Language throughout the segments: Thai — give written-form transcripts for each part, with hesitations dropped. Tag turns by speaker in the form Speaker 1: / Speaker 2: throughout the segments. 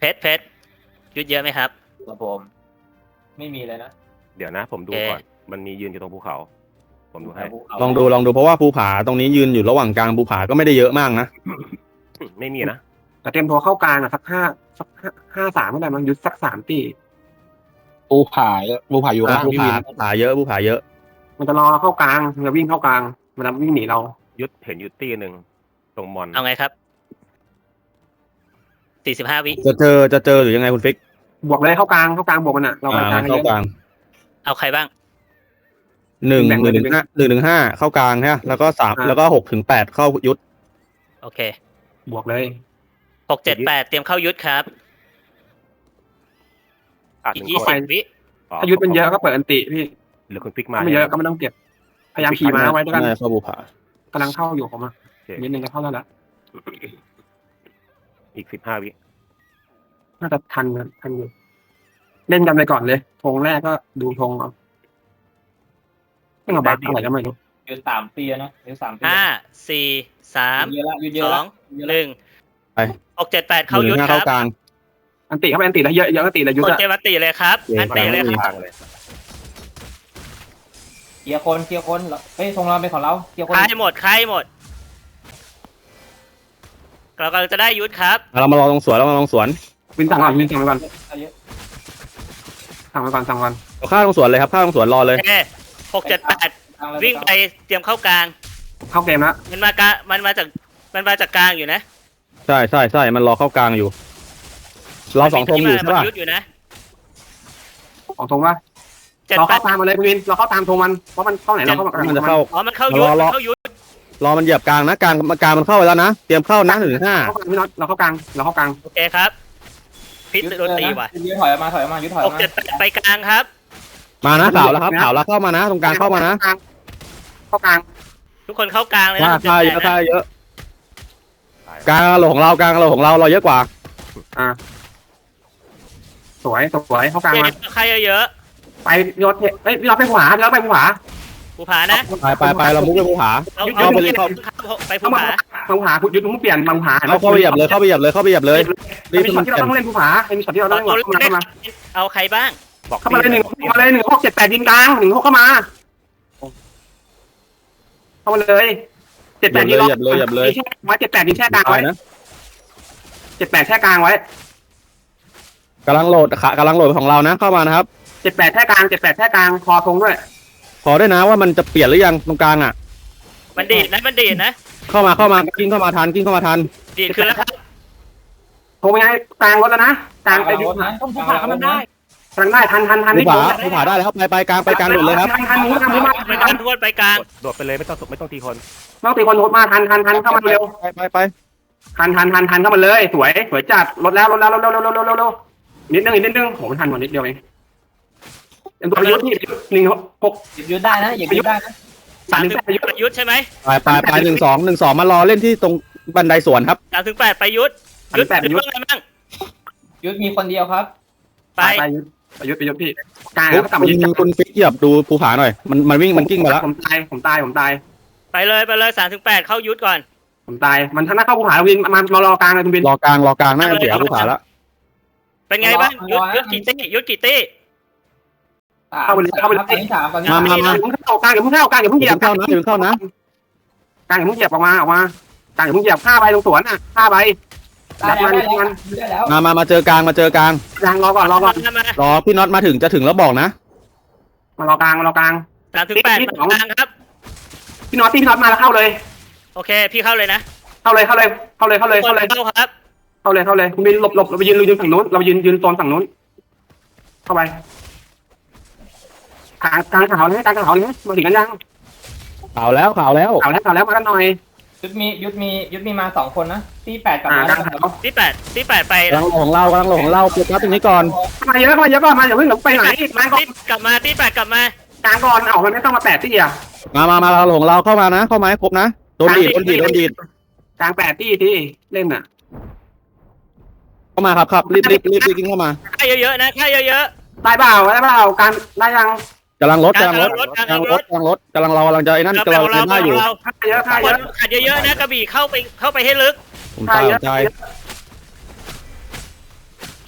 Speaker 1: ชรยุดเยอะไหมครับ
Speaker 2: ครับผมไม่มีเลยนะ
Speaker 3: เดี๋ยวนะผมดูก่อนมันมียืนอยู่ตรงภูเขาผมดูให้
Speaker 4: ลองดูเพราะว่าภูผาตรงนี้ยืนอยู่ระหว่างกลางภูผาก็ไม่ได้เยอะมากนะ
Speaker 3: ไม่มีนะ
Speaker 5: แต่เตรียมตัวเข้ากลางอ่ะสักห้าสามก็ได้มั้งยุดสัก3 ตี
Speaker 6: ภูผาอยู่ล่าง
Speaker 4: ภู
Speaker 6: พี่
Speaker 4: ผา
Speaker 6: วิน
Speaker 4: ภูผาเยอะภูผาเยอะ
Speaker 5: มันจะรอเราเข้ากลางมันจะวิ่งเข้ากลางมันจะวิ่งหนีเรา
Speaker 3: ยุดเห็นยุดตีหนึ่งตรงมอน
Speaker 1: เอาไงครับ45 วิ
Speaker 4: จะเจอหรือยังไงคุณฟิก
Speaker 5: บวกเลยเข้ากลางบวกมันอ่ะเราไปกลาง
Speaker 4: เข้ากลาง
Speaker 1: เอาใครบ้าง
Speaker 4: 1-5เข้ากลางใช่ไหมแล้วก็3แล้วก็6-8เข้ายุทธ
Speaker 1: โอเค
Speaker 5: บวกเลย
Speaker 1: 6 7 8เตรียมเข้ายุทธครับ อีก
Speaker 3: หนึ่งคน
Speaker 1: 20 วิ
Speaker 5: ถ้ายุดเป็นเยอะก็เปิดอันติพี่
Speaker 3: หรือคุณฟิกมา
Speaker 5: ถ้าไม่เยอะก็ไม่ต้องเก็บพยายามขี่ม้าไว้ด้วยกัน
Speaker 4: เข้าภูผาก
Speaker 5: ำลังเข้าอยู่ผมอ่ะนิดนึงจะเข้าแล้วละ
Speaker 3: อีก15 วิ
Speaker 5: น่าจะทันอยู่เล่นกันไปก่อนเลยธงแรกก็ดูธงเอาไม่เอาบัฟอะไรก็ไม่รู้
Speaker 2: ยืน3 ปีนะยืน3 ปี
Speaker 1: 5 4 3
Speaker 2: เยอะละยืนเยอะละ
Speaker 1: 2 1 6 7 8เข้ายุทธค
Speaker 4: เข้า
Speaker 1: รับ
Speaker 4: กลาง
Speaker 5: อันติเข้าไปอันติแล้วเยอะอันติแล้วยุด
Speaker 1: กด
Speaker 5: อะ
Speaker 1: เจวัตติเลยครับอันเตะเลยครับ
Speaker 3: ทางเลย
Speaker 2: เคลียร์คนเฮ้ยทงเราเป็นของเราเคลียร์คน
Speaker 1: ใครหมดเรากำลังจะได้ยุทธครับ
Speaker 4: เรามาลองสวน
Speaker 5: วินสั่งก่อนสั่งไปก่อน
Speaker 2: เยอะ
Speaker 5: เอา
Speaker 4: ข้าตรงสวนเลยครับข้าตรงสวนรอเลย
Speaker 1: โอเค6 7 8วิ่งไปเตรียมเข้ากลาง
Speaker 5: เข้าเกมแล้ว
Speaker 1: มันมาจากกลางอยู่นะ
Speaker 4: ใช่มันรอเข้ากลางอยู่ เรา2 ธงอยู่ใช่ป่ะ
Speaker 1: ยุทธอยู่นะ
Speaker 5: ของธงว่า
Speaker 1: 7
Speaker 5: เราเข้า
Speaker 1: 8
Speaker 5: ตามมาเลยวินเราเข้าตามธงมันเพราะมันเข้าไหนเราเข้า
Speaker 4: มันจะเข้า
Speaker 1: อ๋อมันเข้ายุทธมันเข้ายุทธ
Speaker 4: รอมันเหยียบกลางนะกลางมันเข้าไปแล้วนะเตรียมเข้านะ1-5
Speaker 5: พี่น็อตเราเข้ากลาง
Speaker 1: โอเคครับพิษโดนตีว่ะ
Speaker 2: ยืดถอยออกมายืดถอยออก
Speaker 1: 6
Speaker 2: มา
Speaker 1: 7 8ไปกลางครับ
Speaker 4: มานะข่าวแล้วครับข่าวแล้วเข้ามานะตรงกลางเข้ามานะ
Speaker 5: เข้ากลาง
Speaker 1: ทุกคนเข้ากลางเลยนะ
Speaker 4: ค่าเยอะกลางเราของเราเราเยอะกว่า
Speaker 5: สวยเข้ากลางมา
Speaker 1: ใครเยอะ
Speaker 5: ไปยศเฮ้ยพี่น็อตไปขวาพี่น็อตไปขวา
Speaker 1: ภูผานะ
Speaker 4: ไปเรามุกไปภูผา
Speaker 1: เอาไปเลยไปภูผา
Speaker 5: มังผายุดมุ้งเปลี่ยนมังผา
Speaker 4: เข้าไปเหยียบเลยรีบ
Speaker 5: มีช็อตที่เราต้องเล่นภูผามีช็อตที่เราต้องเล่นเข้ามา
Speaker 1: เอาใครบ้าง
Speaker 3: บอก
Speaker 5: เข้ามาเลย1 6 7 8ยิงกลาง1 6เข้ามาเลย7 8ยิงเลยไว้7 8ยิงแช่กลางไว้
Speaker 4: นะ
Speaker 5: 7 8แช่กลางไว้
Speaker 4: กำลังโหลดของเรานะเข้ามานะครับ
Speaker 5: 7 8แช่กลางคอธงด้วย
Speaker 4: ขอด้วยนะว่ามันจะเปลี่ยนหรือยังตรงกลางอ่ะ
Speaker 1: มันดีดนะ
Speaker 4: เข้ามากิ้งเข้ามาทัน
Speaker 1: ดีดขึ้นแล้วครับ
Speaker 5: ธงยังไงกลางรถแล้วนะกลางไปดู
Speaker 2: ต้องภูผามันได้
Speaker 5: กลางได้ทัน
Speaker 4: ภูผาได้แล้วไปกลางหมดเลยครับ
Speaker 5: ทันมา
Speaker 1: ไปกลางทวนไปกลาง
Speaker 3: โดดไปเลยไม่ต้องตีคน
Speaker 5: ต้องตีคนโหดมาทันเข้ามาเร็ว
Speaker 4: ไป
Speaker 5: ทันเข้ามาเลยสวยจัดรถแล้วนิดนึงโหมันทันกว่านิดเดียวเองเป็นตัวยุทธ์ที่1 6
Speaker 2: ยืดได้นะอย่ายืดได้นะ
Speaker 1: 3 ยุทธใช่ไหม
Speaker 4: ไป1-2มารอเล่นที่ตรงบันไดสวนครับ
Speaker 1: 3 8ไปยุทธยุทธอะไรบ้าง
Speaker 2: ยืดมีคนเดียวครับ
Speaker 1: ไป
Speaker 5: ยุทธ์พี่กลางแล้วกลับมายึด
Speaker 4: คุณฟิกเหยียบดูภูผาหน่อยมันวิ่งมันกิ้งมาแล้ว
Speaker 5: ผมตาย
Speaker 1: ไปเลย3 8เข้ายุทธก่อน
Speaker 5: ผมตายมันถ้าเข้าภูผาวินมารอกลางเลยคุณวิน
Speaker 4: รอกลางน่าจะเสียภูผาแล้ว
Speaker 1: เป็นไงบ้างยุทธกี่ตี้
Speaker 5: เข้าไปเลย
Speaker 2: ตอนนี้3ตอนนี้
Speaker 4: มา
Speaker 5: อย่าเพิ่งเข้ากลางอย่าเพิ่งเหยียบ
Speaker 4: เข้านะเข้านะ
Speaker 5: กลางอย่าเพิ่งเหยียบออกมากลางอย่าเพิ่งเหยียบ5 ใบตรงสวนอ่ะ5 ใบ
Speaker 2: ได้แล้ว
Speaker 4: มาเจอกลาง
Speaker 5: กลางรอก่อน
Speaker 1: มาร
Speaker 4: อพี่น็อตมาถึงจะถึงแล้วบอกนะ
Speaker 5: มารอกลาง
Speaker 1: 3 8กลางครับ
Speaker 5: พี่น็อตมาแล้วเข้าเลย
Speaker 1: โอเคพี่เข้าเลยนะ
Speaker 5: เข้าเลยครับเข้าเลยคุณบินหลบเราไปยืนฝั่งนู้นเรายืนโซนฝั่งนู้นเข้าไปกลางขาวเลยมาถึงกันยัง
Speaker 4: ข่าวแล้ว
Speaker 5: มากันหน่อย
Speaker 2: ยุดมีมา2 คนนะที่8กับ
Speaker 5: กลางขาว
Speaker 1: ที่8ไป
Speaker 4: กำลังของเราโฟกัสตรงนี้ก่อน
Speaker 5: มาเยอะก่อนอย่าเพิ่งไปไหนมาก่อน
Speaker 1: กลับมาที่8กลับมาก
Speaker 5: ลางก่อนมันไม่ต้องมา8 ที่อ่ะ
Speaker 4: มาเราของเราเข้ามานะเข้ามาให้ครบนะโดนดีด
Speaker 5: กลาง8 ที่เล่นอ่ะ
Speaker 4: เข้ามาครับรีบกิ้งเข้ามา
Speaker 1: ค่าเยอะๆนะค่าเยอะ
Speaker 5: ได้เปล่าการได้ยัง
Speaker 4: กำลังรถกำลังเรากำลังจะไอ้นั่นกำลังเล่นได้อยู่
Speaker 5: ค่าเยอะ
Speaker 1: ขัดเยอะๆนะกระบี่เข้าไปให้ลึก
Speaker 4: ผมตาย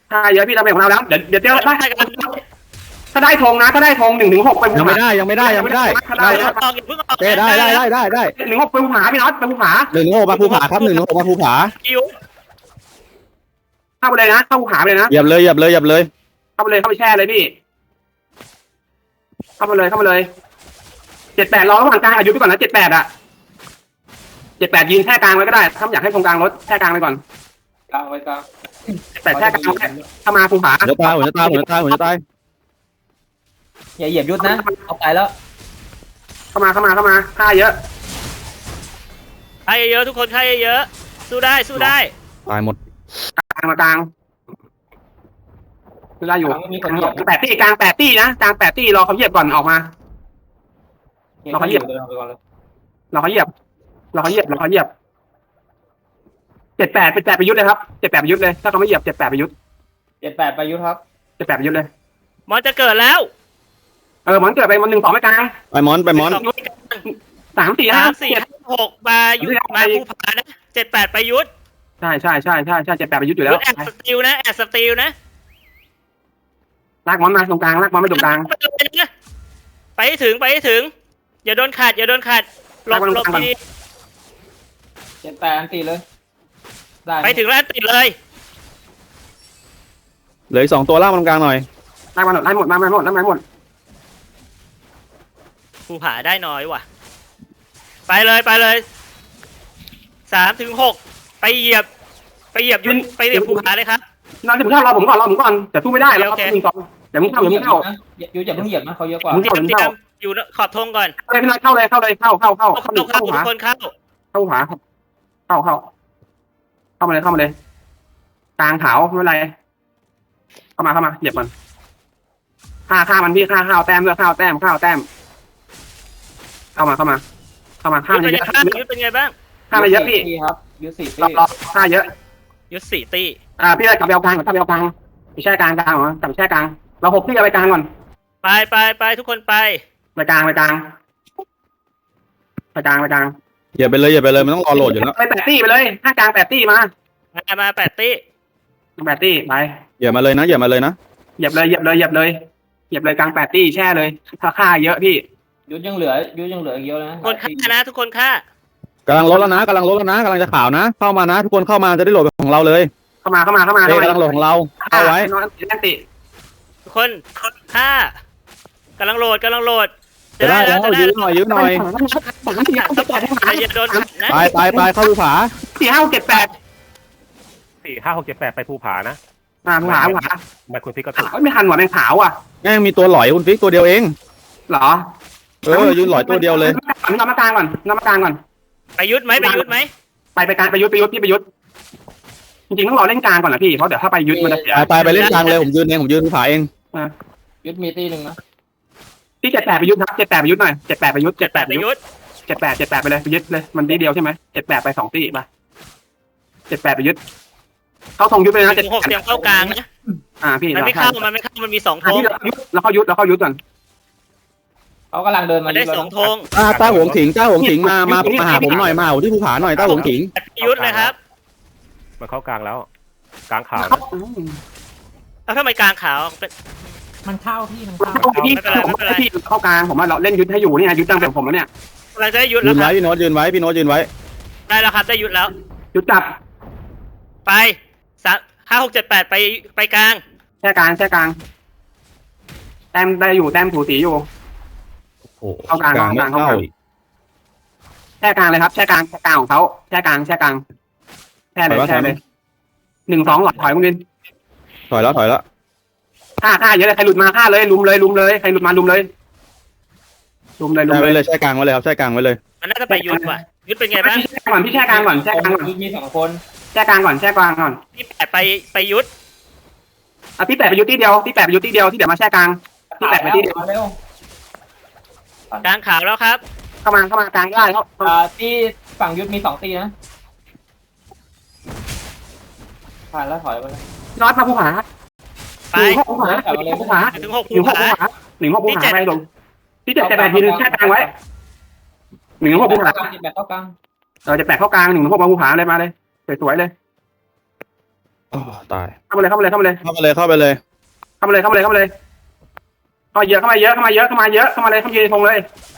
Speaker 5: ค่าเยอะพี่เราเป็นของเราแล้วเดี๋ยวได้
Speaker 1: ได้กัน
Speaker 5: ถ้าได้ธงนะถ้าได้ธง1-6ไป
Speaker 4: ยังไม่ได้ยังไม่ได้ยังไม่ได้
Speaker 5: ถ้าได้
Speaker 1: อย่าเพิ่งออก
Speaker 4: โอเคได้
Speaker 5: 1-6ไปภูผาพี่น็อตไปภูผา
Speaker 4: 1-6มาภูผาครับ1-6มาภูผา
Speaker 1: คิว
Speaker 5: เข้าไปเลยนะเข้าภูผาไปเลยนะ
Speaker 4: เหยียบเลยเข้าไป
Speaker 5: แช่เลยพี่เข้ามาเลย78รอระหว่างกลางอายุไปก่อนนะ78อ่ะ78ยืนแช่กลางไว้ก็ได้ถ้าอยากให้ตรงกลางรถแช่กลางไปก่อน
Speaker 2: กลางไว้กลาง
Speaker 5: แต่แช่กลางถ้ามาภูผา
Speaker 4: หัวจะตาย
Speaker 2: อย่าเหยียบยุทธนะเอาไปแล้ว
Speaker 5: เข้ามาค่าเยอะ
Speaker 1: ใครเยอะทุกคนใครเยอะสู้ได้
Speaker 4: ตายหมด
Speaker 5: กลางมากลางได้อยู่
Speaker 2: มีคนเหยียบ
Speaker 5: 8 ตี้กลาง8 ตี้นะกลาง8 ตี้รอเขาเหยียบก่อนออกมา เราเขาเหยียบ
Speaker 2: เดินไปก่อนเลย
Speaker 5: รอเขาเหยียบ78ไปยุทธเลยครับ78ไปยุทธเลยถ้าเขาไม่เหยียบ78ไปยุทธ
Speaker 2: 78ไปยุทธครับ
Speaker 5: 78ไปยุทธเลย
Speaker 1: มอนจะเกิดแล้ว
Speaker 5: มันเกิดไปมัน1-2ไม่กลาง
Speaker 4: ไปมอน
Speaker 5: 3 4
Speaker 1: 3
Speaker 5: 5
Speaker 1: 4 5 6มายุทธมาภูผานะ78ไปยุทธ
Speaker 5: ใช่78ไปยุทธอยู่แล้ว
Speaker 1: แอดสติลนะ
Speaker 5: ลากมอนมาตรงกลางลากมอนไปตรงกลาง
Speaker 1: ไปให้ถึงอย่าโดนขัดหลบดี
Speaker 2: 78อันตีเลยได้
Speaker 1: ไปถึงแล้วติดเลย
Speaker 4: เหลือ2ตัวล่างตรงกลางหน่อย
Speaker 5: ลากมาหมดมาหมด
Speaker 1: ภูผาได้น้อยว่ะไปเลย3 ถึง 6ไปเหยียบยุทธไปเหยียบภูผาเลยครับ
Speaker 5: น้องจะมึงเข้ารอผมก่อนแต่สู้ไม่ได้แล้วครับ1-2เดี๋ยวมึงเข้า
Speaker 2: ยุทธอย่าเพิ่งเหยียบนะเขาเยอะกว่า
Speaker 1: เตรียมอยู่ขอบธงก่อน
Speaker 5: เข้าเลยเข้าทุกคนเข้า เข้ามาเลยกลางขาวไม่เป็นไรเข้ามาเหยียบมันฆ่ามันพี่ฆ่าข้าวแต้มด้วยข้าวแต้มเข้ามาฆ่ามันเยอะ
Speaker 1: ยุทธเป็นไงบ้าง
Speaker 5: ฆ่ามันเยอะพี่
Speaker 2: ครับยุทธ4ตี
Speaker 5: รอฆ่าเยอะ
Speaker 1: ยุทธ4 ตี
Speaker 5: พี่เลยกลับไปเอากลางไปแช่กลางเหรอกลับแช่กลางเรา6ที่เอาไปกลางก่อน
Speaker 1: ไปทุกคนไป
Speaker 5: ไปกลาง
Speaker 4: เหยียบไปเลยมันต้องรอโหลดอยู่แล้ว
Speaker 5: ไป8 ตี้ไปเลยถ้ากลาง8 ตี้มา
Speaker 1: 8 ตี
Speaker 5: 8 ตี้ไป
Speaker 4: เหยียบมาเลยนะ
Speaker 5: เหยียบเลยกลาง8 ตี้แช่เลยถ้าฆ่าเยอะพี่
Speaker 2: ยุทธยังเหลือเยอะนะ
Speaker 1: คนฆ่านะทุกคนฆ่าก
Speaker 4: ำลังลดแล้วนะกำลังจะข่าวนะเข้ามานะทุกคนเข้ามาจะได้โหลดของเราเลย
Speaker 5: เข้ามา
Speaker 4: กำลังโหลดของเราเข้าไว้
Speaker 5: ติ
Speaker 1: ทุกคนฆ่ากำลังโหลด
Speaker 4: จะได้แล้วยื้อหน่อย
Speaker 1: อย่าโดนขัดนะ
Speaker 4: ไปเข้าภูผา
Speaker 5: 4 5 6 7 8
Speaker 3: 4 5 6 7 8ไปภูผานะ
Speaker 5: ภูผา
Speaker 3: ไม่คุณพี่ก็ถูก
Speaker 5: ไม่ทันหว่ะแมงขาวอ่ะ
Speaker 4: แม่งมีตัวหลอยคุณฟิกตัวเดียวเอง
Speaker 5: เหรอ
Speaker 4: ยืนหลอยตัวเดียวเลย
Speaker 5: นำมากลางก่อน
Speaker 1: ไปยุทธไหม
Speaker 5: ไปกลางไปยุทธจริงๆต้องรอเล่นกลางก่อนนะพี่เพราะเดี๋ยวถ้าไปยุทธมันจะเสีย
Speaker 4: ไปเล่นกลางเลยผมยืนภูผาเอง
Speaker 2: ยุทธมีตีหนึ่งนะ
Speaker 5: ที่78ไปยุทธครับ78ไปยุทธหน่อย78ไปยุทธ78
Speaker 1: ไปยุทธ
Speaker 5: 78ไปเลยไปยุทธเลยมันทีเดียวใช่ไหม78ไป2 ตีไป78ไปยุทธเข้าธงยุทธไปนะ
Speaker 1: ถึง 6 เตรียมเข้ากลางนะ
Speaker 5: พี่
Speaker 1: มันไม่เข้ามันมี2 ธง
Speaker 5: แล้วเข้ายุทธก่อน
Speaker 2: เขากำลังเดินมา
Speaker 1: ได้2 ธง
Speaker 4: ต้าหวงถิงมาหาผมหน่อยมาที่ภูผาหน่อยต้าหวงถิง
Speaker 1: ยุทธเลยครับ
Speaker 3: มันเข้ากลางแล้ว กลางขาว
Speaker 1: แล้วทำไมกลางขาว
Speaker 2: มันเข้าพี่มัน
Speaker 5: พี่เข้ากลางผมว่าเราเล่นยุทธให้อยู่นี่ยุทธตั้งแต่ผมแล้วเนี่ย
Speaker 1: เราจะได้ยุทธ
Speaker 4: ยื
Speaker 1: แล้ว
Speaker 4: น
Speaker 1: ค
Speaker 4: ไว้
Speaker 1: รับ
Speaker 4: พี่โน้ตยืนไว้
Speaker 1: ได้แล้วครับได้ยุทธแล้ว
Speaker 5: ยุทธจับ
Speaker 1: ไป5 6 7 8ไปกลาง
Speaker 5: แช่กลางแต้มได้อยู่แต้มถูสีอยู่ เข้ากลาง
Speaker 4: ไม่เข้า
Speaker 5: แช่กลางเลยครับแช่กลางของเขาแช่กลางแช่เลย1-2หลอดถอยคุณดิน
Speaker 4: ถอยแล้ว
Speaker 5: ฆ่าเยอะเลยใครหลุดมาฆ่าเลยลุมเลยใครหลุดมาลุมเลย
Speaker 4: ไว้เลยใช้กลางไว้เลยครับใช้กลางไว้เลย
Speaker 1: มันน่าจะไปยุทธว่ะยุทธเป็นไงบ้าง
Speaker 5: พี่แช่กลางก่อน
Speaker 2: ยุทธมี2 คน
Speaker 5: แช่กลางก่อน
Speaker 1: ที่8ไปยุทธ
Speaker 5: พี่8ไปยุทธที่เดียวที่เดี๋ยวมาแช่กลางที่8ไปที่เดียว
Speaker 2: เร็ว
Speaker 1: กลางขาวแล้วครับ
Speaker 5: เข้ามากลางได้เขา
Speaker 2: ที่ฝั่งยุทธมี2 ตีนะผ่านแล้วถอยไปเลย
Speaker 5: น็อตมาภูผา
Speaker 1: ไป
Speaker 5: ภูผา
Speaker 1: ถึง 6 ภูผา
Speaker 5: ภูผาไปลงที่7-8ทีนึงแช่กลางไว้1-6ภูผา
Speaker 2: 78เข้ากลาง
Speaker 5: จะ8เข้ากลาง1-6มาภูผาเลยมาเลยสวยๆเลย
Speaker 4: โอ้ตาย
Speaker 5: เข้ามาเลยเข้ามาเลยเข้ามาเลย
Speaker 4: เข้าไปเลยเข้าไปเลย
Speaker 5: เข้ามาเลยเข้ามาเลยเข้ามาเลยเข้าเยอะเข้ามาเยอะเข้ามาเยอะเข้ามาเยอะเข้ามาเลยเข้ามายืนธงเลย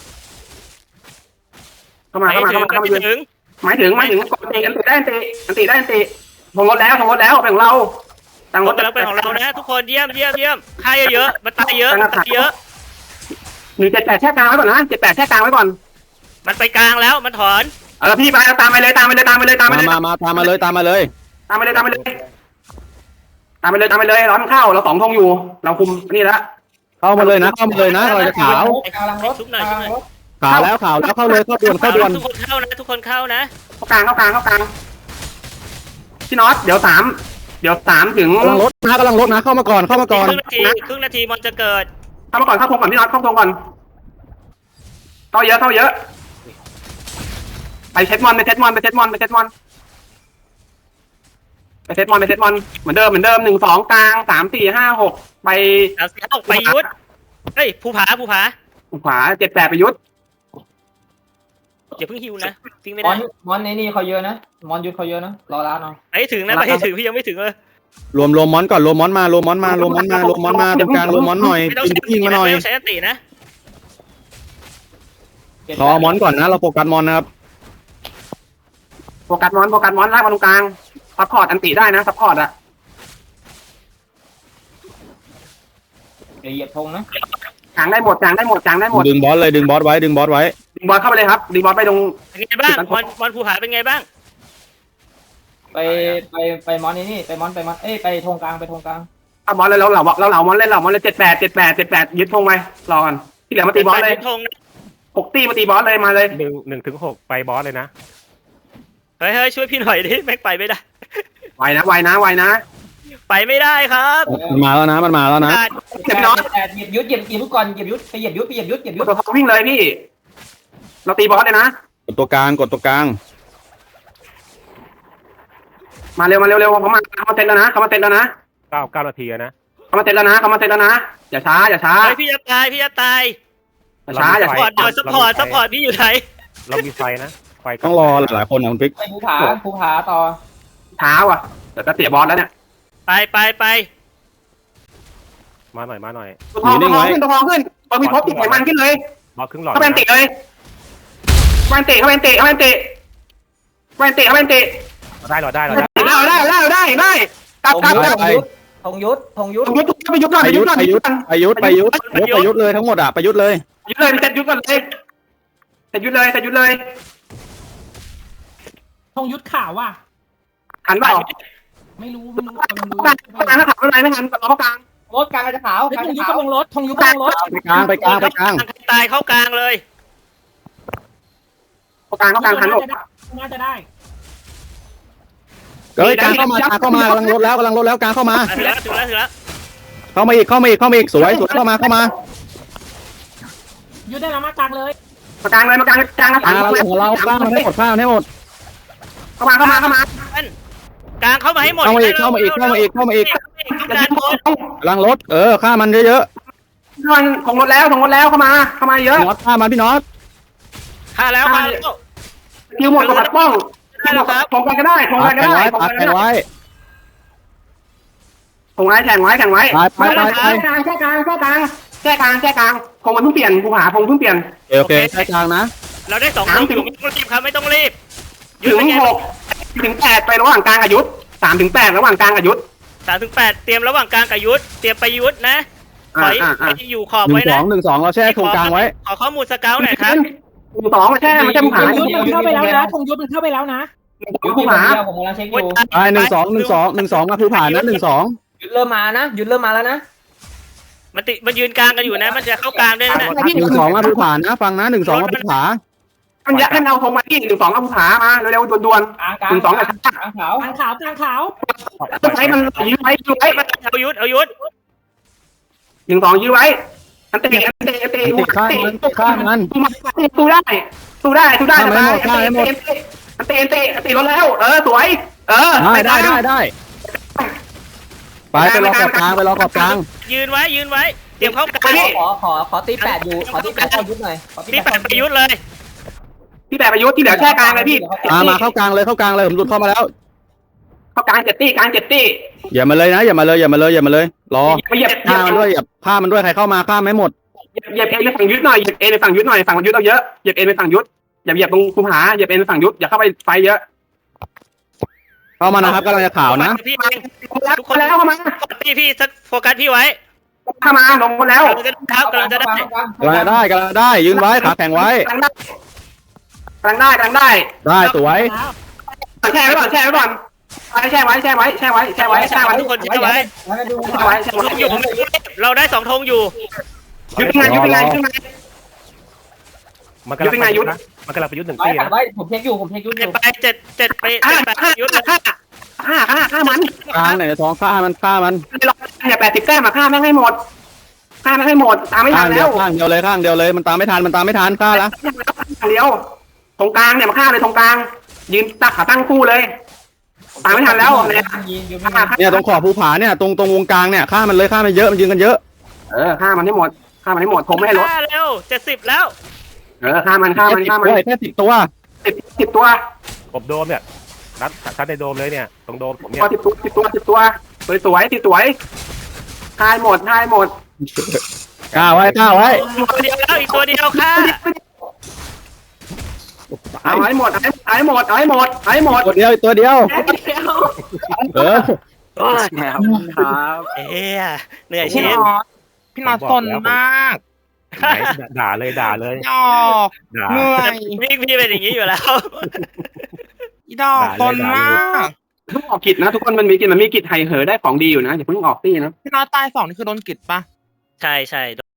Speaker 5: เข้ามา
Speaker 1: ไม่
Speaker 5: เข้ามา
Speaker 1: ถึ
Speaker 5: เข้าง มาเข้ามา
Speaker 1: ไม่
Speaker 5: ยืน
Speaker 1: ถึง
Speaker 5: หมายถึงกดตีอันติได้อันติได้อันติธงรถแล้วเป็นของเราตั้ง
Speaker 1: ร
Speaker 5: ร
Speaker 1: ถ
Speaker 5: ถ
Speaker 1: กำลังเป็นของเรานะทุกคนเยี่ยมเยี่ยมเยี่ยมค่าเยอะๆมันตายเยอะมันตายเยอะ
Speaker 5: 178แช่กลางไว้ก่อนนะ78แช่กลางไว้ก่อน
Speaker 1: มันไปกลางแล้วมันถอน
Speaker 5: พี่ไปตามไปเลยตามไปเลยตามไปเลยตามไปเลย
Speaker 4: มาตามมาเลยตามมาเลย
Speaker 5: ตามไปเลยตามไปเลยตามไปเลยตามไปเลยร้อนเข้าเรา2ธงอยู่เราคุมนี่แล้ว
Speaker 4: เข้ามาเลยนะเข้ามาเลยนะเราจะขาว
Speaker 2: กำลังรถกำลังรถ
Speaker 4: ขาวแล้วเข้าเลยเข้าด่วนเข้าด่วน
Speaker 1: ทุกคนเข้านะทุกคนเข้านะ
Speaker 5: เข้ากลางพี่น็อตเดี๋ยว3ถึง
Speaker 4: กำลังรถนะเข้ามาก่อน
Speaker 1: ครึ่งนาทีมันจะเกิด
Speaker 5: เข้ามาก่อนเข้าธงก่อนพี่น็อตเข้าธงก่อนเข้าเยอะไปเซตมอนเหมือนเดิม1 2กลาง3 4 5 6ไป
Speaker 1: ไปยุทธเฮ้ยภูผา
Speaker 5: ขวา7 8ไปยุทธ
Speaker 1: อย่าเพิ่งฮิวนะทิ้งไม่
Speaker 2: ม
Speaker 1: ได้
Speaker 2: อนในนี่เขาเยอะนะมอนยุทธเขาเยอะนะรอร้านเอา
Speaker 1: ไปถึงนะไปถึงพี่ยังไม่ถึงเลย
Speaker 4: รวมมอนก่อนรวมมอนมารวมมอนมาตรงกลางรวมมอนหน่อย
Speaker 1: ไม่ต้อง
Speaker 4: ยิงมาหน่อย
Speaker 1: ใช้ตินะ
Speaker 4: รอมอนก่อนนะเราโฟกัสมอนนะครับ
Speaker 5: โฟกัสมอนลากมาตรงกลางซัพพอร์ตอันติได้นะซัพพอร์ตอะ
Speaker 2: เหยียบธงนะ
Speaker 5: กลางได้หมด
Speaker 4: ดึงบอสไว้
Speaker 5: ดึงบอลเข้าไปเลยครับดึงบอลไปตรง
Speaker 1: เป็นไงบ้างมอนภูผาเป็นไงบ้าง
Speaker 2: ไปมอนนี่ไปมอนไปธงกลางไปธงกลาง
Speaker 5: เอาบอลเลยเราเหล่ามอนเล่น78ยึดธงไว้รอก่อนที่เหลือมาตีบอลเลย6ตีมาตีบอลเลยมาเลย
Speaker 3: 1 ถึง 6ไปบอสเลยนะ
Speaker 1: เฮ้ยช่วยพี่หน่อยดิแม็กไปไม่ได้
Speaker 5: ไวนะ
Speaker 1: ไปไม่ได้ครับ
Speaker 4: มันมาแล้วนะ
Speaker 5: เจ็บน้อย
Speaker 2: เหยียบยุทธก่อนเหยียบยุทธไปเหยียบยุทธ
Speaker 5: ตัวทองวิ่งเลยพี่เราตีบอลเลยนะ
Speaker 4: กดตัวกลาง
Speaker 5: มาเร็วเขามาเซ็ตแล้วนะ
Speaker 3: 9 นาทีนะ
Speaker 5: เขามาเซ็ตแล้วนะอย่าช้า
Speaker 1: เฮ้ยพี่จะตาย
Speaker 5: อย่า
Speaker 1: ซัพพอร์ตหน่อยซัพพอร์ตพี่อยู่ไหน
Speaker 3: เรามีไฟนะไฟ
Speaker 4: ต้องรอหลายคนนะคุณปิ๊ก
Speaker 2: ไปภูผาต่อ
Speaker 5: ช้าว่ะแต่จะเสียบอลแล้วเนี่ย
Speaker 1: ไป
Speaker 3: มาหน่อย
Speaker 5: ตัวทองขึ้นพอมีพบติดไขมันขึ้นเลย
Speaker 3: บอสครึ่งหลอด
Speaker 5: เข้าไปติเลยเข้าไปติ
Speaker 3: ได้ได้
Speaker 2: ธงยุทธ
Speaker 5: ไปยุทธก่อน
Speaker 4: ไปยุทธเลยทั้งหมดไปยุทธเลย
Speaker 5: ยุทธเลยเซ็ตยุทธก่อนเลยเซ็ตยุทธเลย
Speaker 7: ธงยุทธข่าวว่ะ
Speaker 5: หันเปล่า
Speaker 7: ไม่รู้
Speaker 5: เข้ากลางถ้าขับอะไรไม่หันเข้ากลาง
Speaker 2: รถกลางจะขาว
Speaker 7: ธงยุทธกำลังรถธงยุทธกำลังรถ
Speaker 4: ไปกลาง
Speaker 1: ตายเข้ากลางเลย
Speaker 5: เข้ากลางหันหมด
Speaker 7: น่าจะได้
Speaker 4: เฮ้ยกลางเข้ามากำลังลดแล้วกลางเข้ามา
Speaker 1: ถึงแล้ว
Speaker 4: เข้ามาอีกสวยเข้ามา
Speaker 7: ยุทธได้แล้วมากลางเลย
Speaker 5: มากลางนะ
Speaker 4: ของเรากลางให้หมด
Speaker 5: เข้ามา
Speaker 1: กลางเข้ามาให้หมด
Speaker 4: เข้ามาอีก
Speaker 1: ต้องการหมด
Speaker 4: กำลังลดฆ่ามันเยอะ
Speaker 5: มันของรถแล้วเข้ามาเยอะ
Speaker 4: น็อตฆ่ามันพี่น็อต
Speaker 1: ฆ่าแล้ว
Speaker 5: คิวหมดกับปัดป้องของกันก็ได้ของกันก็ได้
Speaker 4: แข่งไว้
Speaker 5: ของไว้แข่งไว้
Speaker 4: ไป
Speaker 5: แช่กลางคงมันเพิ่งเปลี่ยนภูผาคงเพิ่งเปลี่ยน
Speaker 4: โอเคใช้กลางนะ
Speaker 1: เราได้2คนอยู่ไม่ต้องรีบครับไม่ต้องรีบ
Speaker 5: ถึง6ถึง8ไประหว่างกลางกับยุทธ3ถึง8ระหว่างกลางกับยุทธ
Speaker 1: 3 ถึง 8เตรียมระหว่างกลางกับยุทธเตรียมไปยุทธนะถอยอยู่ขอบไว้นะ
Speaker 4: 1-2เราแช่โครงกลางไว้
Speaker 1: ขอข้อมูลสเกลหน่อยครับ
Speaker 5: 2มาแช่มันจะภูผา
Speaker 7: ธงยุทธมันเข้าไปแล้วนะธงยุทธมันเข้าไปแล้วนะ
Speaker 5: ภูผา
Speaker 2: ผมกำลังเช็คอยู่
Speaker 4: ไป1-2มาคือผ่านนะ1-2
Speaker 2: ยุทธเริ่มมานะยุทธเริ่มมาแล้วนะ
Speaker 1: มันยืนกลางกันอยู่นะมันจะเข้ากลางได้นะ
Speaker 4: 1-2มาคือผ่านนะฟังนะ1-2มาคือผ่า
Speaker 5: มันยัดให้เอาธงมาที่1-2เอาภูผามาเร็วๆด่วน
Speaker 2: กลาง
Speaker 5: 1-2กับ
Speaker 2: กลางขาว
Speaker 7: กลางขาว
Speaker 5: ต้องใช้มันยื้อไว้
Speaker 1: เอายุทธ
Speaker 5: 1-2ยื้อไว้อันเตะ
Speaker 4: ฆ่ามัน
Speaker 5: สู้ได้อันเตะรถแล้วสวย
Speaker 4: ได้ไปรอขอบกลาง
Speaker 1: ยืนไว้เตรียมเข้ากลาง
Speaker 2: ขอตี8อยู่ขอตี8เข้ายุทธหน่อย
Speaker 1: พี่8ไปยุทธเลย
Speaker 5: พี่แบบประยุทธ์ที่เหลือแช่กลางเลยพี่
Speaker 4: มาเข้ากลางเลยผมหลุดเข้ามาแล้ว
Speaker 5: เข้ากลาง7 ตี้กลาง7 ตี้
Speaker 4: อย่ามาเลยนะอย่ามาเลยอย่ามาเลยอย่ามาเลยรอ
Speaker 5: ไปเหยียบ
Speaker 4: ฆ่ามันด้วยอย่าฆ่ามันด้วยใครเข้ามาฆ่าไม่หมด
Speaker 5: เหยียบเอในฝั่งยุทธหน่อยเหยียบเอในฝั่งยุทธหน่อยฝั่งยุทธเราเยอะเหยียบเอในฝั่งยุทธอย่าเหยียบตรงภูผาเหยียบเอในฝั่งยุทธอย่าเข้าไปไฟเยอะ
Speaker 4: เข้ามานะครับกำลังจะข่าวนะ
Speaker 1: พี่เอง
Speaker 5: ทุกคนแล้วเข้ามา
Speaker 1: พี่สักโฟกัสพี่ไว้
Speaker 5: เข้ามาลงมาแล้ว
Speaker 1: กำลังจะได้
Speaker 4: กำลังจะได้กำลังจะได้ยืนไว้ขาแข็งไว้
Speaker 5: กลางได้กลางได้
Speaker 4: ได้สวย
Speaker 5: แช่ไว้ก่อนแช่ไว้ก่อนแช่ไว้แช่ไว้แช่ไว้แช่ไว้แช่ไว้
Speaker 1: ทุกคนแช่ไว้
Speaker 5: แช่ไว้แช่ไว้
Speaker 1: อยู่เราได้2 ธงอยู่
Speaker 5: ยุทธเป็นไงยุทธเป็นไง
Speaker 3: มันกำลัง
Speaker 5: ยุทธเป็นไงยุทธ
Speaker 3: มันกำลังไปยุทธหนึ่ง
Speaker 2: ไว้
Speaker 3: ตี้
Speaker 2: ตัด
Speaker 3: นะ
Speaker 2: ไว้ผมเช็คอยู่ผมเช็คยุทธอยู่
Speaker 1: ไป7ไปยุทธ
Speaker 5: ฆ่ามัน
Speaker 4: กลางไหนท้องฆ่ามันฆ่ามัน
Speaker 5: เนี่ย80 แต้มมาฆ่าแม่งให้หมดฆ่าแม่งให้หมดตามไม่ทั
Speaker 4: ข้าน งเดี
Speaker 5: แล้
Speaker 4: ยว วข้างเดียวเลยข้างเดียวเลยมันตามไม่ทันมันตามไม่ทันฆ่าละ
Speaker 5: เดียวตรงกลางเนี่ยมาฆ่าเลยตรงกลางยืนตักขาตั้งคู่เลยตามไม่ทันแล้วเนี่ย
Speaker 4: เนี่ยตรงขอบภูผาเนี่ยตรงวงกลางเนี่ยฆ่ามันเลยฆ่ามันเยอะมันยืนกันเยอะ
Speaker 5: ฆ่ามันให้หมดฆ่ามันให้หมดผมไม่ให้ลด
Speaker 1: เร็ว70แล้ว
Speaker 5: ฆ่ามันฆ่ามันฆ่ามัน
Speaker 4: แค่10 ตัว
Speaker 5: 10 ตัว
Speaker 3: กบโดมเนี่ยชัดในโดมเลยเนี่ยตรงโดมผมเนี่ย
Speaker 5: 10 ตัวสวยทายหมด
Speaker 4: กล้าไว้กล้าไว้
Speaker 1: ตัวเดียวแล้วอีกตัวเดียวค่ะ
Speaker 5: เอาให้หมด
Speaker 4: ตัวเดียวตัวเดียวเออ
Speaker 1: เหนื่อย
Speaker 6: พี่
Speaker 1: ชิ
Speaker 6: น
Speaker 1: น
Speaker 6: อตพี่นอตสนมาก
Speaker 3: ด่าเลย
Speaker 6: ดอก
Speaker 3: ด่า
Speaker 6: เหนื่อย
Speaker 1: พี่เป็นอย่างนี้อยู่แล้ว
Speaker 6: อีดอกสนมาก
Speaker 5: ทุกออกกิจนะทุกคนมันมีกิจไฮเหอได้ของดีอยู่นะอย่าเพิ่งออกตี้นะ
Speaker 6: พี่นอตตาย2นี่คือโดนกิดปะ
Speaker 1: ใช่